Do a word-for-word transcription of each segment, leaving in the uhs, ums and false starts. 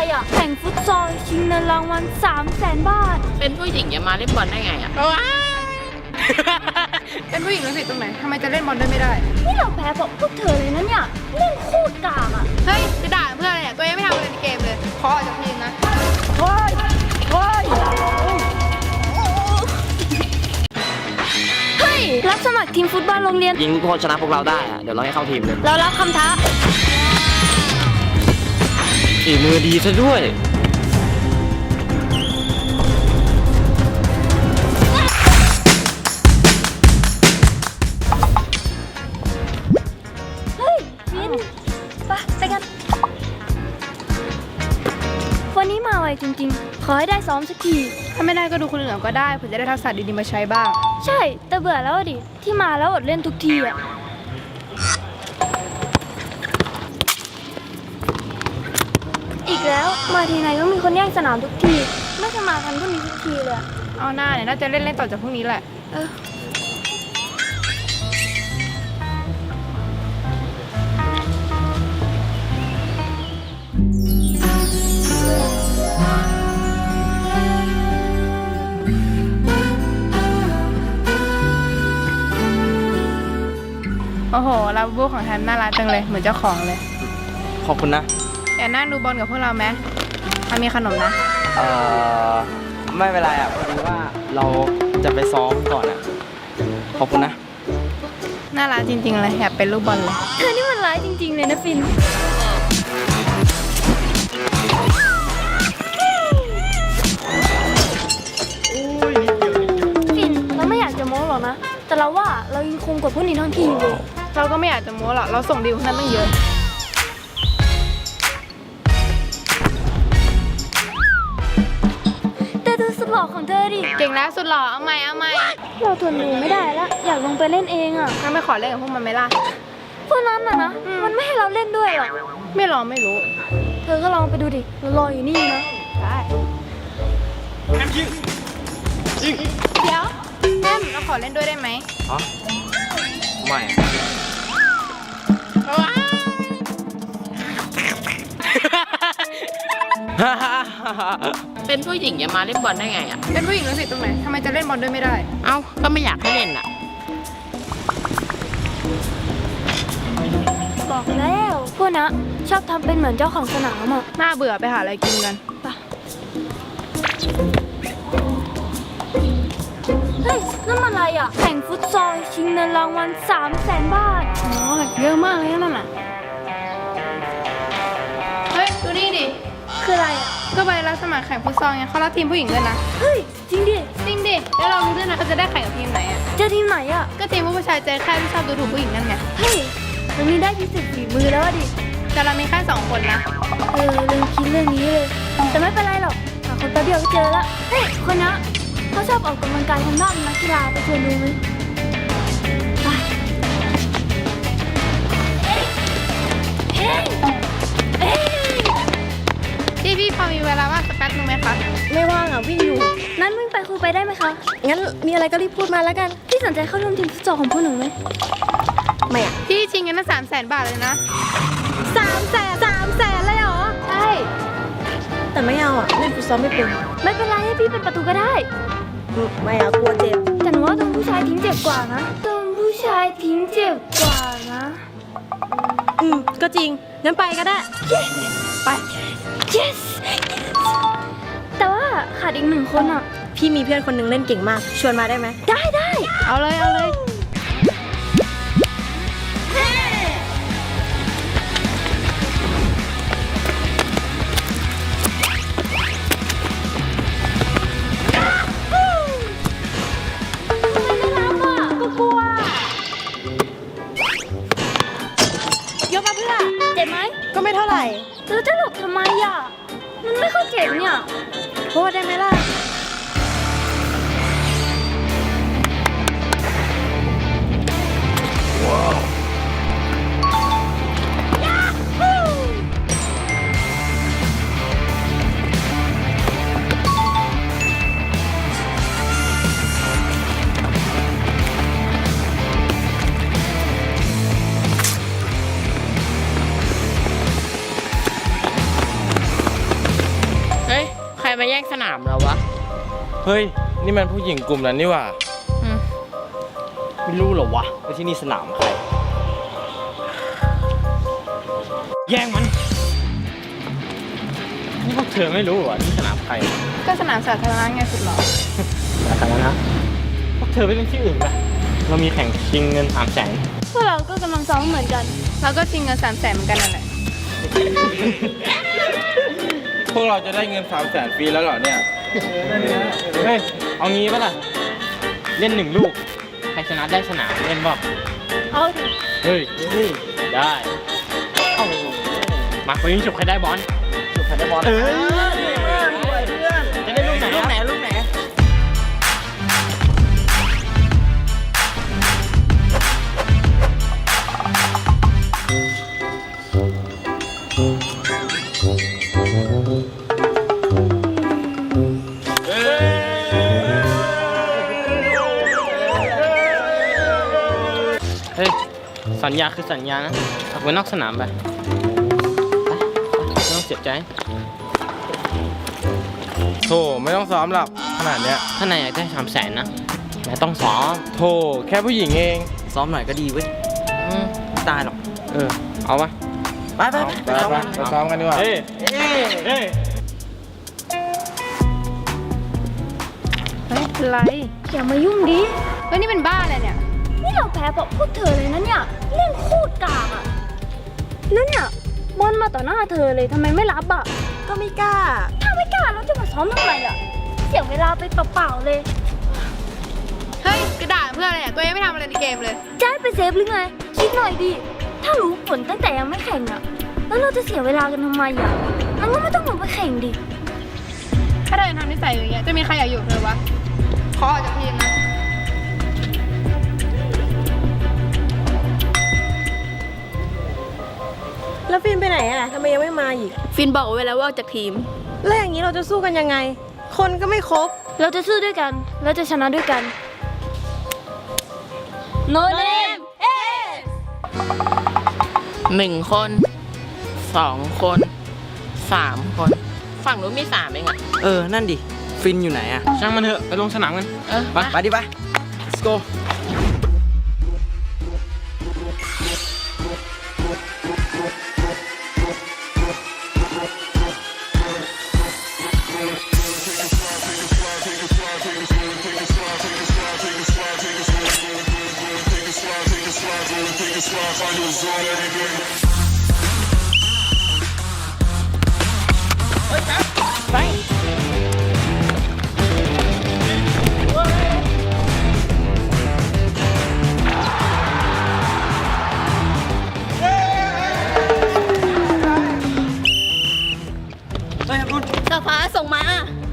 อ่ะแข่งฟุตซอลชิงเงินรางวัลสามแสนบาทเป็นผู้หญิงจะมาเล่นบอลได้ไงอ่ะเป็นผู้หญิงแล้วผิดตรงไหนทำไมจะเล่นบอลด้วยไม่ได้นี่เราแพ้เพราะพวกเธอเลยนะเนี่ยเล่นโคตรกากอ่ะเฮ้ยจะด่าเพื่ออะไรเนี่ยตัวเองไม่ทำอะไรในเกมเลยขอออกจากทีมนะเฮ้ยเฮ้ยเฮ้ยรับสมัครทีมฟุตบอลโรงเรียนยิงพอชนะพวกเราได้อะเดี๋ยวเราให้เข้าทีมเลยเรารับคำท้าฝีมือดีซะด้วยเฮ้ยวินไปไปกันวันนี้มาไวจริงๆขอให้ได้ซ้อมสักทีถ้าไม่ได้ก็ดูคนอื่นก็ได้เผื่อจะได้ทักษะดีๆมาใช้บ้างใช่แต่เบื่อแล้วดิที่มาแล้วอดเล่นทุกทีอ่ะอีกแล้วมาทีไหนก็มีคนแย่งสนามทุกทีไม่สมาทันพวกนี้ทุกทีเลยเอาหน้าเนี่ยน่าจะเล่นเล่นต่อจากพวกนี้แหละเออโอ้โหลาบูบูของแทนน่ารักจังเลยเหมือนเจ้าของเลยขอบคุณนะอยากนั่งดูบอลกับพวกเราไหมมีขนมนะเอ่อไม่เป็นไรอ่ะพอดีว่าเราจะไปซ้อมก่อนอ่ะขอบคุณนะน่ารักจริงๆเลยอยากเป็นลูกบอลเลยเธอนี่มันร้ายจริงๆเลยนะฟินฟินเราไม่อยากจะโม้หรอกนะแต่เราว่าเรายังคงกว่าพวกนี้ทั้งทีมเลยเราก็ไม่อยากจะโม้หรอกเราส่งดีลนั้นตั้งเยอะแต่ดูสุดหล่อของเธอดิเก่งแล้วสุดหล่อเอาใหม่เอาใหม่เราทนดูไม่ได้แล้วอยากลงไปเล่นเองอ่ะงั้นไม่ขอเล่นกับพวกมันไหมล่ะพวกนั้นน่ะนะมันไม่ให้เราเล่นด้วยหรอกไม่ลองไม่รู้เธอก็ลองไปดูดิเรารออยู่นี่นะได้ยิงยิงเดี๋ยวแอมเราขอเล่นด้วยได้ไหมอ๋อไม่เป็นผู้หญิงจะมาเล่นบอลได้ไงอ่ะเป็นผู้หญิงแล้วผิดตรงไหนทำไมจะเล่นบอลด้วยไม่ได้เอ้าก็ไม่อยากให้เล่นอ่ะบอกแล้วพวกนะชอบทำเป็นเหมือนเจ้าของสนามอ่ะน่าเบื่อไปหาอะไรกินกันไปเฮ้ยนั่นมันอะไรอ่ะแข่งฟุตซอลชิงเงินรางวัลสามแสนบาทอ๋อเยอะมากเลยนั่นน่ะเฮ้ยดูนี่ดิคืออะไรอ่ะก็ไปรับสมัครแข่งฟุตซอลไงเขารับทีมผู้หญิงด้วยนะเฮ้ยจริงดิจริงดิแล้วเรารู้ด้วยนะเขาจะได้แข่งกับทีมไหนอ่ะเจอทีมไหนอ่ะก็ทีมผู้ชายใจแค่ที่ชอบดูถูกผู้หญิงนั่นไงเฮ้ยมันมีได้พิเศษฝีมือแล้วดิแต่เรามีแค่สองคนนะเออลืมคิดเรื่องนี้เลยแต่ไม่เป็นไรหรอกหาคนแป๊บเดียวก็เจอละเฮ้ยคนนะเขาชอบออกกำลังกายทางด้านนักกีฬาไปชวนดูไหมไปเฮ้ยเฮ้ยพี่พี่พอมีเวลาว่างสักแป๊บนึงไหมคะไม่ว่างอ่ะวิ่งอยู่นั้นวิ่งไปคุยไปได้ไหมคะงั้นมีอะไรก็รีบพูดมาแล้วกันพี่สนใจเข้าร่วมทีมฟุตซอลของพวกหนูไหมไม่อ่ะพี่ชิงเงินตั้งสามแสนบาทเลยนะสามแสนสามแสนเลยเหรอใช่แต่ไม่เอาอ่ะเล่นฟุตซอลไม่เป็นไม่เป็นไรให้พี่เป็นประตูก็ได้ไม่เอากลัวเจ็บแต่หนูว่าโดนผู้ชายทิ้งเจ็บกว่านะโดนผู้ชายทิ้งเจ็บกว่านะอืมก็จริงงั้นไปก็ได้ yes ไป yes แต่ว่าขาดอีกหนึ่งคนอ่ะพี่มีเพื่อนคนนึงเล่นเก่งมากชวนมาได้ไหมได้ได้เอาเลยเอาเลยยกมาเพื่อเจ็บไหมก็ไม่เท่าไหร่แล้วจะหลบทำไมอ่ะมันไม่ค่อยเจ็บเนี่ยโทษได้ไหมล่ะว้าวมาแย่งสนามเราวะเฮ้ย นี่มันผู้หญิงกลุ่มนั้นนี่หว่าอืมไม่รู้เหรอวะว่าที่นี่สนามใครแย่งมัน นี่พวกเธอไม่รู้เหรอที่สนามใครก็สนามสาธารณะไงสุดหรอสาธารณะพวกเธอไปเล่นที่อื่นไปเรามีแข่งชิงเงินสามแสนพวกเราก็กำลังซ้อมเหมือนกันเราก็ชิงเงินสามแสนเหมือนกันนั่นแหละพวกเราจะได้เงินสามแสนฟรีแล้วเหรอเนี่ย เฮ้ย เอางี้ปะล่ะ เล่นหนึ่งลูก ใครชนะได้สนามเล่นบอกเอาดิเฮ้ย ได้เอามาไปยิงฉุบใครได้บอลฉุบใครได้บอลเออจะได้ลูกไหนลูกไหนลูกไหนเฮ้ย สัญญาคือสัญญานะออกไปนอกสนามไปไม่ต้องเสียใจโธ่ไม่ต้องซ้อมหรอกขนาดเนี้ยถ้านายอยากได้สามแสนนะนายต้องซ้อมโธ่แค่ผู้หญิงเองซ้อมหน่อยก็ดีเว้ยอืมไม่ตายหรอกเออ เอาปะไปไปไปไปไปไปซ้อมกันดีกว่า เฮ้ยเฮ้ยเฮ้ยเป็นไรอย่ามายุ่งดิเฮ้ยนี่เป็นบ้าอะไรเนี่ยนี่เราแพ้เพราะพวกเธอเลยนะเนี่ย เล่นโคตรกากอะแล้วเนี่ยบอลมาต่อหน้าเธอเลยทำไมไม่รับอะก็ไม่กล้าถ้าไม่กล้าเราจะมาซ้อมทำไมอะเสียเวลาไปเปล่าๆเลยเฮ้ยกระดาษเพื่ออะไรอ่ะตัวเองไม่ทำอะไรในเกมเลยจะให้ไปเซฟหรือไง คิดหน่อยดิ ถ้ารู้ผลตั้งแต่ยังไม่แข่งอะแล้วเราจะเสียเวลากันทำไมอะมันก็ไม่ต้องลงไปแข่งดิถ้าเธอยังทำนิสัยอย่างเงี้ยจะมีใครอยากอยู่กับเธอวะขอออกจากทีมนะแล้วฟินไปไหนอ่ะทำไมยังไม่มาอีกฟินบอกไว้แล้วว่าออกจากทีมแล้วอย่างนี้เราจะสู้กันยังไง คนก็ไม่ครบเราจะสู้ด้วยกัน เราจะชนะด้วยกัน โนเนมเอหนึ่งคน สองคน สามคน ฝั่งนู้นมีสามเองอะเออ นั่นดิ ฟินอยู่ไหนอะช่างมันเถอะ ไปลงสนามกันเออไปไปดิไป let's go สฟ้าส่งมา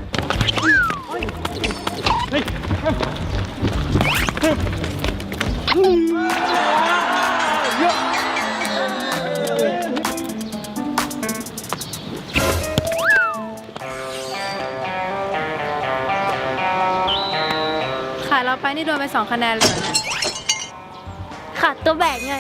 ขาดเราไปนี่โดนไปสองคะแนนเลยเหรอเนี่ยขาดตัวแบกไง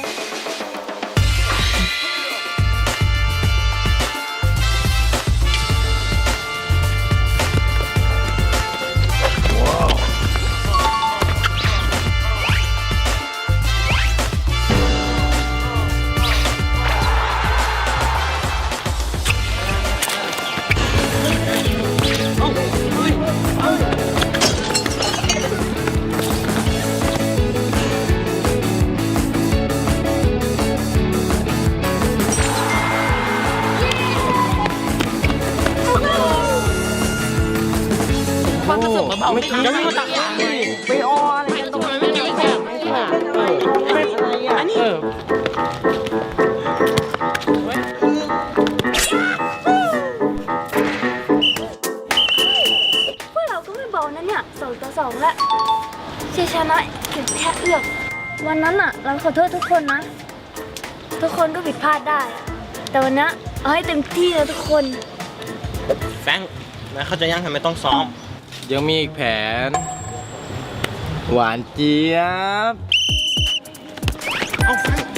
ความรู้สึกเบาๆไม่ดีจะไม่มาตักไปอออะไรกันตรงทำไมไม่ดีแค่ไม่ดีอะอันนี้เออพวกเราก็ไม่เบานะเนี่ยสองต่อสองแล้วชัยชนะเก็บแค่เอื้อมวันนั้นอะเราขอโทษทุกคนนะ ทุกคนก็ผิดพลาดได้อะแต่วันนี้เอาให้เต็มที่นะทุกคนแฟงนายเข้าใจยังทำไมต้องซ้อม ยังมีอีกแผน หวานเจี๊ยบ เอาแฟง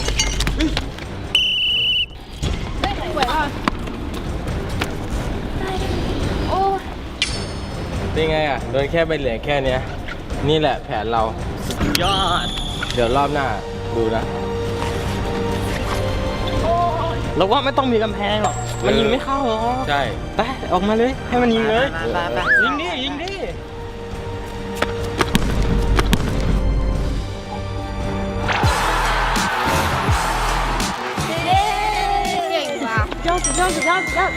เฮ้ยไหวป่ะได้เป็นไงอ่ะ โดนแค่ใบเหลืองแค่เนี้ย นี่แหละแผนเรา สุดยอด เดี๋ยวรอบหน้าดูนะเราว่าไม่ต้องมีกำแพงหรอก มันยิงไม่เข้าหรอกใช่ไปออกมาเลย ให้มันยิงเลยไปไปยิงดิยิงดิเก่งว่ะยอดสุดยอดสุดยอดสุดยอด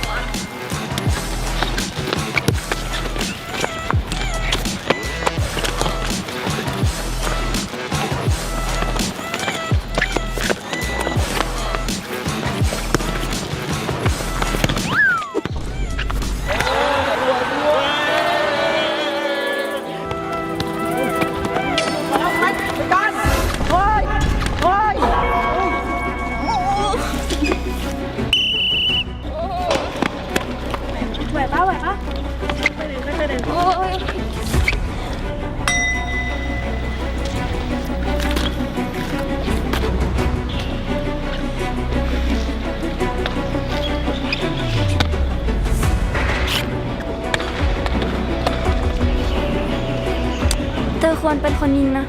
ไหวปะไหวปะโอ้ยเธอควรเป็นคนยิงนะ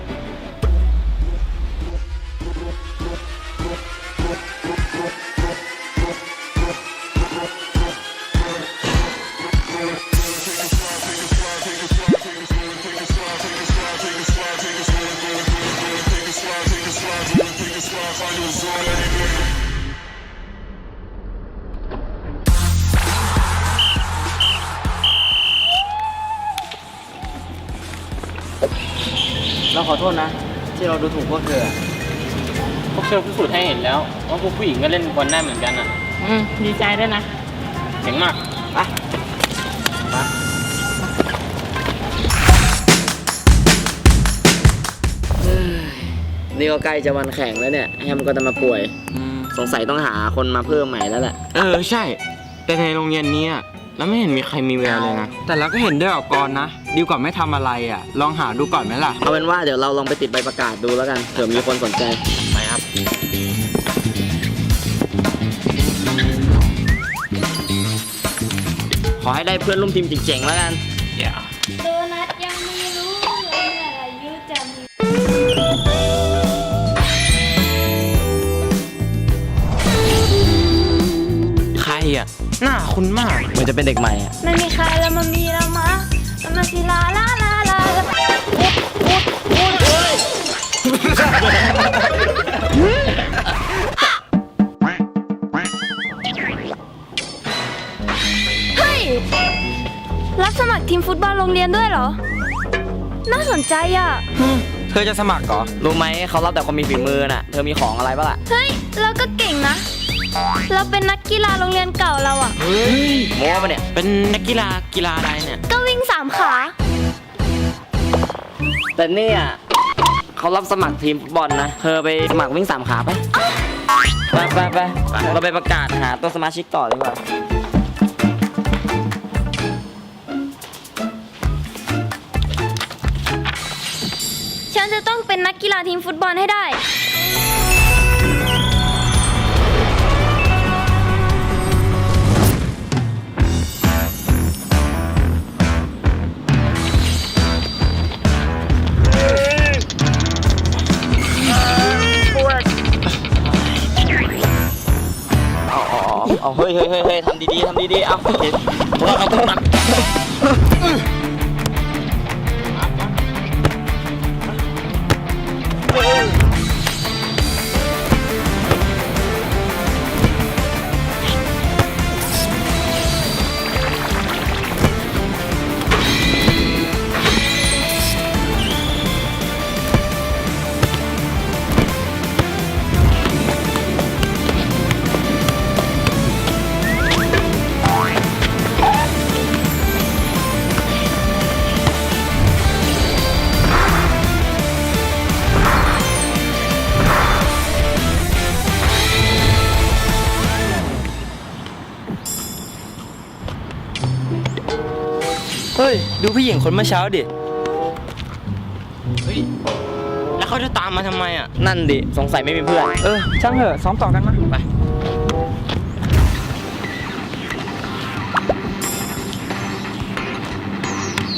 เราขอโทษนะ ที่เราดูถูกพวกเธอพวกเธอพิสูจน์ให้เห็นแล้วว่าพวกผู้หญิงก็เล่นบอลได้เหมือนกันอ่ะอืม ดีใจด้วยนะเจ๋งมากไปไปนี่ก็ใกล้จะวันแข่งแล้วเนี่ยแฮมก็จะมาป่วย สงสัยต้องหาคนมาเพิ่มใหม่แล้วแหละเออใช่ แต่ในโรงเรียนนี้อะแล้วไม่เห็นมีใครมีแววเลยนะ แต่เราก็เห็นด้วยออกกรนะ ดีกว่าไม่ทำอะไรอ่ะ ลองหาดูก่อนไหมล่ะเอาเป็นว่าเดี๋ยวเราลองไปติดใบประกาศดูแล้วกันเผื่อมีคนสนใจไปครับขอให้ได้เพื่อนร่วมทีมเจ๋งๆแล้วกันโดนัทยังไม่รู้เลยเมื่ออายุจะมีใครอ่ะ หน้าคุ้นมากเหมือนจะเป็นเด็กใหม่อะไม่มีใครแล้วมันมีแล้วมะแล้วมันสิลาลาลาลาเฮ้ย รับสมัครทีมฟุตบอลโรงเรียนด้วยเหรอ น่าสนใจอ่ะเธอจะสมัครเหรอรู้ไหมเขารับแต่คนมีฝีมือน่ะ เธอมีของอะไรบ้างล่ะเฮ้ย เราก็เก่งนะ เราเป็นนักกีฬาโรงเรียนเก่าเราอ่ะเฮ้ยโม้ปะเนี่ยเป็นนักกีฬากีฬาอะไรเนี่ยก็วิ่งสามขาแต่เนี่ยเขารับสมัครทีมฟุตบอลนะ เธอไปสมัครวิ่งสามขาไปไปไปไปเราไปประกาศหาตัวสมาชิกต่อดีกว่าฉันจะต้องเป็นนักกีฬาทีมฟุตบอลให้ได้เอาเอาเอาเอาเฮ้ยเฮ้ยเฮ้ยเฮ้ยทำดีๆทำดีๆเอาเห็นเอาเอาเอาเฮ้ย ดูผู้หญิงคนเมื่อเช้าดิเฮ้ย แล้วเขาจะตามมาทำไมอ่ะนั่นดิ สงสัยไม่มีเพื่อนเออ ช่างเถอะ ซ้อมต่อกันมาไปเ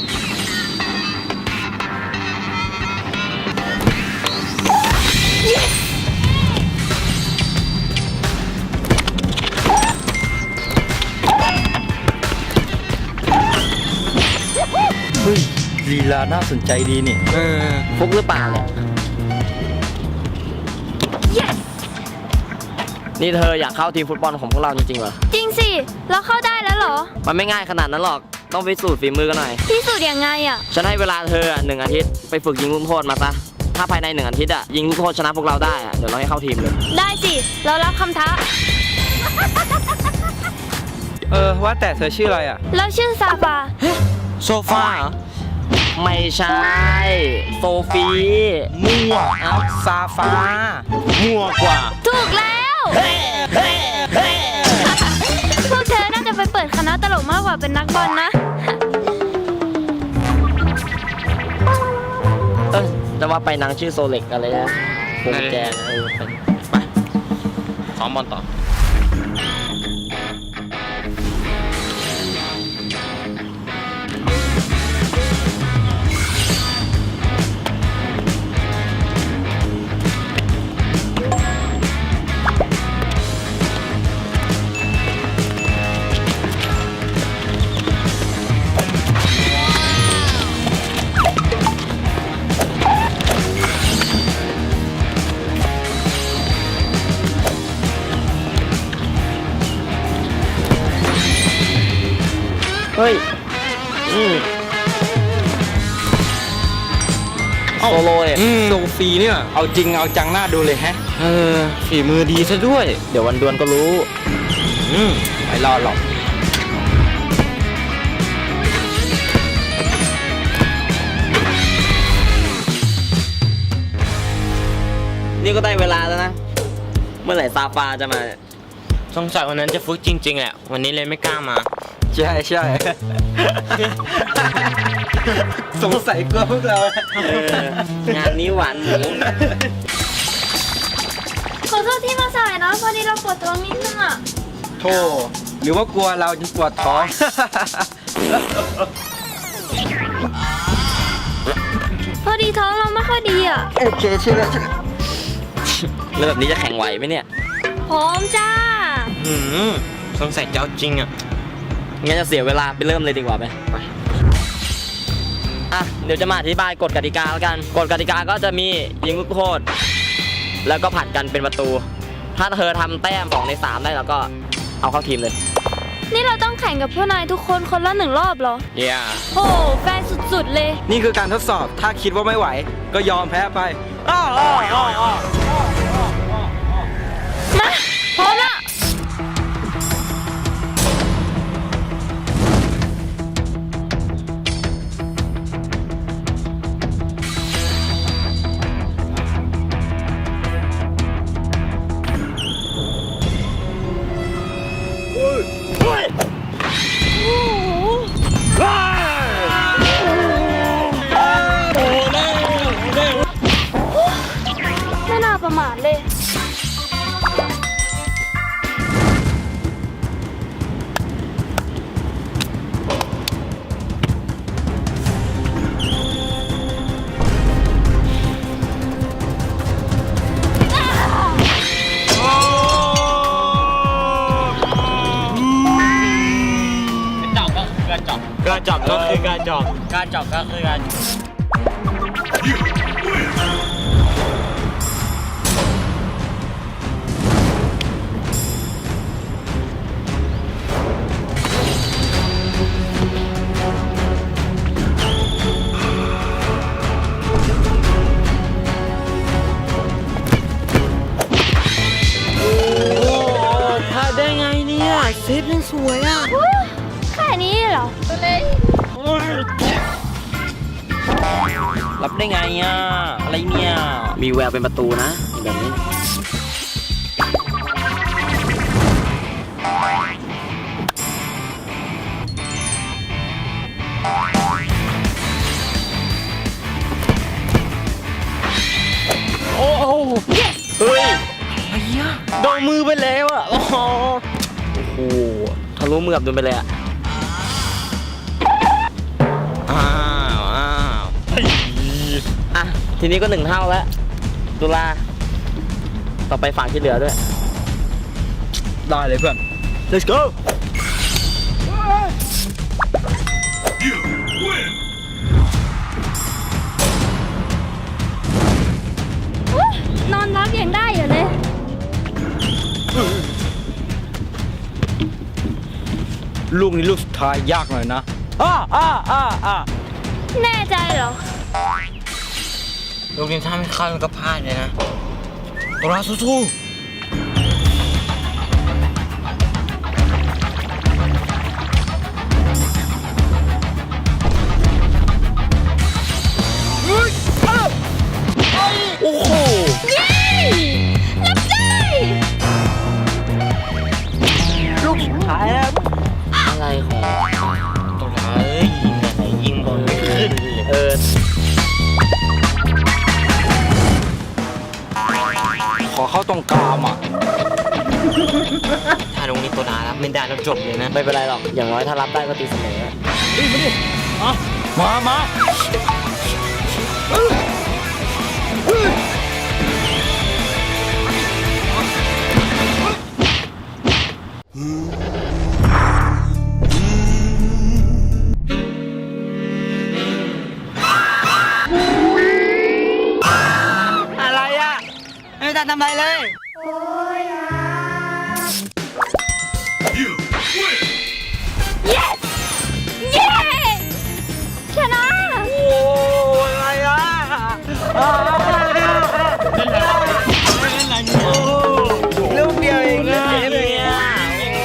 เฮ้ยลีลาน่าสนใจดีนี่ เออฟุกหรือเปล่าเนี่ย yes นี่เธออยากเข้าทีมฟุตบอลของพวกเราจริงๆเหรอจริงสิเราเข้าได้แล้วเหรอมันไม่ง่ายขนาดนั้นหรอก ต้องไปสูตรฝีมือกันหน่อยพิสูจน์ยังไงอ่ะฉันให้เวลาเธอหนึ่งอาทิตย์ไปฝึกยิงลูกโทษมาซะ ถ้าภายในหนึ่งอาทิตย์อะยิงลูกโทษชนะพวกเราได้อะเดี๋ยวเราให้เข้าทีมเลยได้สิเรารับคำท้าเออ ว่าแต่เธอชื่ออะไรอ่ะเราชื่อซาฟาโซฟาเหรอ ไม่ใช่ โซฟีมั่วเอ้าซาฟ้า มั่วกว่าถูกแล้วพวกเธอน่าจะไปเปิดคณะตลกมากกว่าเป็นนักบอลนะเออจะว่าไปนางชื่อโซเล็กอะไรนะวงแจนะเออไปไปซ้อมบอลต่อ เฮ้ย อืมโซโลเนี่ยอืมโซฟีเนี่ย เอาจริงเอาจังหน้าดูเลยแฮะ เออ ฝีมือดีซะด้วยเดี๋ยววันดวลก็รู้อืมไม่รอดหรอกนี่ก็ได้เวลาแล้วนะ เมื่อไหร่ซาฟาจะมาสงสัยวันนั้นจะฟุกจริงๆแหละ วันนี้เลยไม่กล้ามาใช่ใช่ สงสัยกลัวพวกเราเอองานนี้หวานหมูขอโทษที่มาสายนะพอดีเราปวดท้องนิดนึงอ่ะโธ่หรือว่ากลัวเราจนปวดท้องพอดีท้องเราไม่ค่อยดีอ่ะโอเคใช่ไหมแล้วแบบนี้จะแข่งไหวไหมเนี่ยพร้อมจ้าหืมสงสัยจะเอาจริงอ่ะงั้นจะเสียเวลาไปเริ่มเลยดีกว่าไหมไปอ่ะ เดี๋ยวจะมาอธิบายกฎกติกาแล้วกัน กฎกติกาก็จะมียิงลูกโทษ แล้วก็ผัดกันเป็นประตู ถ้าเธอทำแต้มสองในสามได้แล้วก็เอาเข้าทีมเลยนี่เราต้องแข่งกับพวกนายทุกคนคนละหนึ่งรอบเหรอเย้โหแฟนสุดๆเลยนี่คือการทดสอบ ถ้าคิดว่าไม่ไหว ก็ยอมแพ้ไปมาพร้อมละ ไม่น่าประมาทเลยการจับก็คือการจับการจับก็คือการพลาดได้ไงเนี่ย เซฟยังสวยอ่ะแค่นี้เหรอรับได้ไงอ่ะ อะไรเนี่ย มีแววเป็นประตูนะแบบนี้โอ้โหเฮ้ยโดนมือไปแล้วอ่ะ โอ้โหโอ้โหทะลุมือกับดุลไปเลยอ่ะอ้าวอ้าวอ่ะ ทีนี้ก็หนึ่งเท่าแล้วตุลา ต่อไปฝั่งที่เหลือด้วยได้เลยเพื่อน let's go ลูกนี้ลูกสุดท้ายยากหน่อยนะอ้าอ้าอ้าอ้าแน่ใจเหรอลูกนี้ถ้าไม่เข้ามันก็พลาดเลยนะตัวเราสู้โอ้โหรับได้ลูกสุดท้ายแล้วอะไรของตัวร้ายยิงอะไรยิงบอลไม่ขึ้นเลยเออขอเข้าตรงกลางอ่ะถ้าตรงนี้ตัวร้ายรับไม่ได้แล้วจบเลยนะไม่เป็นไรหรอก อย่างน้อยถ้ารับได้ก็ตีเสมอมามา อะไรอ่ะ ไม่ได้ทำอะไรเลยเย้ ชนะโอ้อะไรอ่ะลูกเดียวเองนะเนี่ยโอ้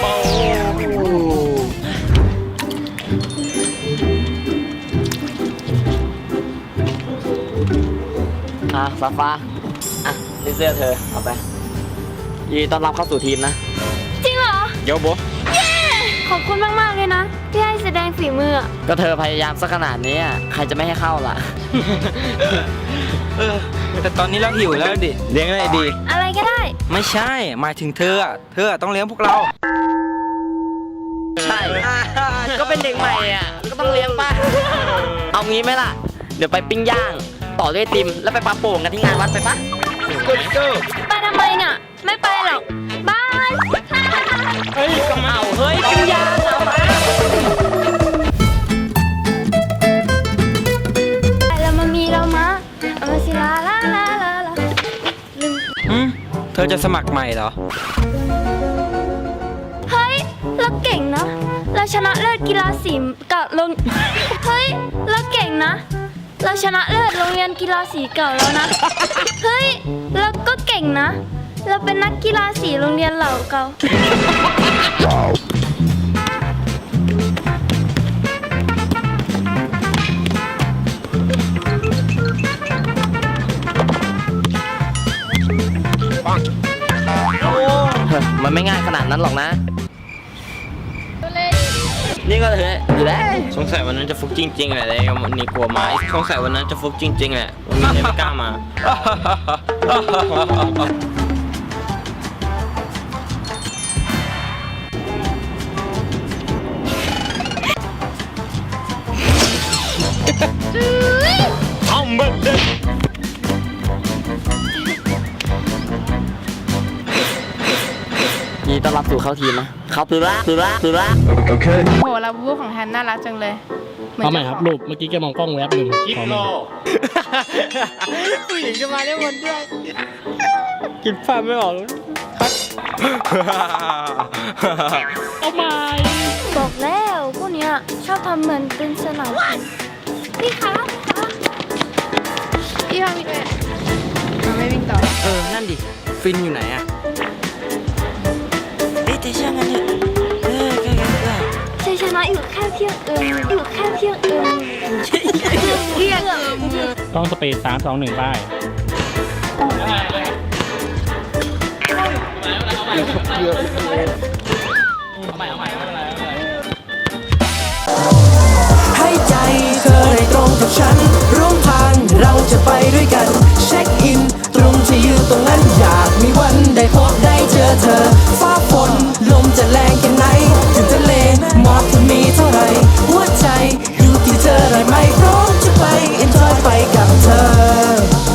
อ่ะฟ้าฟ้าอ่ะนี่เสื้อเธอ เอาไปยินดีต้อนรับเข้าสู่ทีมนะจริงเหรอเดี๋ยวโบเย้ ขอบคุณมาก ๆ เลยนะ ที่ให้แสดงฝีมืออะก็เธอพยายามสักขนาดนี้อ่ะใครจะไม่ให้เข้าล่ะเออแต่ตอนนี้เราหิวแล้วดิเลี้ยงอะไรดีอะไรก็ได้ไม่ใช่ หมายถึงเธออะเธอต้องเลี้ยงพวกเราใช่ ก็เป็นเด็กใหม่อ่ะ ก็ต้องเลี้ยงป่ะ เอางี้ไหมล่ะ เดี๋ยวไปปิ้งย่าง ต่อด้วยไอติม แล้วไปปาโป่งกันที่งานวัดไปปะไปทำไมเนี่ย ไม่ไปหรอก บายเฮ้ยก็มาเฮ้ยปิ้งย่างเอามาเรามามีเรามาเอามาสิลาลาลาลาลาลืมอืมเธอจะสมัครใหม่เหรอเฮ้ย เราเก่งนะ เราชนะเลิศกีฬาสีกับโรงเฮ้ย เราเก่งนะ เราชนะเลิศโรงเรียนกีฬาสีเก่าแล้วนะ เฮ้ย เราก็เก่งนะ เราเป็นนักกีฬาสีโรงเรียนเหล่าเก่ามันไม่ง่ายขนาดนั้นหรอกนะ นี่ก็เถอะอยู่แล้วสงสัยวันนั้นจะฟุกจริงๆแหละเลยวันนี้กลัวไม้สงสัยวันนั้นจะฟุกจริงๆแหละวันนี้เลยไม่กล้ามาเอาเบิดเด็กยินดีต้อนรับสู่เข้าทีมนะ เข้าตือละตือละตือละโหลาบูของแฮนน่ารักจังเลยเอาใหม่ครับรูปเมื่อกี้แกมองกล้องแวบหนึ่งคลิปโลผู้หญิงจะมาได้หมดด้วยกินภาพไม่ออกเลยเอาใหม่บอกแล้วพวกเนี้ยชอบทำเหมือนเป็นสนามแข่งพี่คะพี่คะพี่พามิดเลยมาไม่วิ่งต่อเออ นั่นดิ ฟินอยู่ไหนอะเอ๊ะแต่ช่างมันเถอะเออแกแกแกชัยชนะอยู่แค่เพียงเอิมอยู่แค่เพียงเอิมเพียงเอิมต้องสปีดสามสองหนึ่งป้ายให้ใจ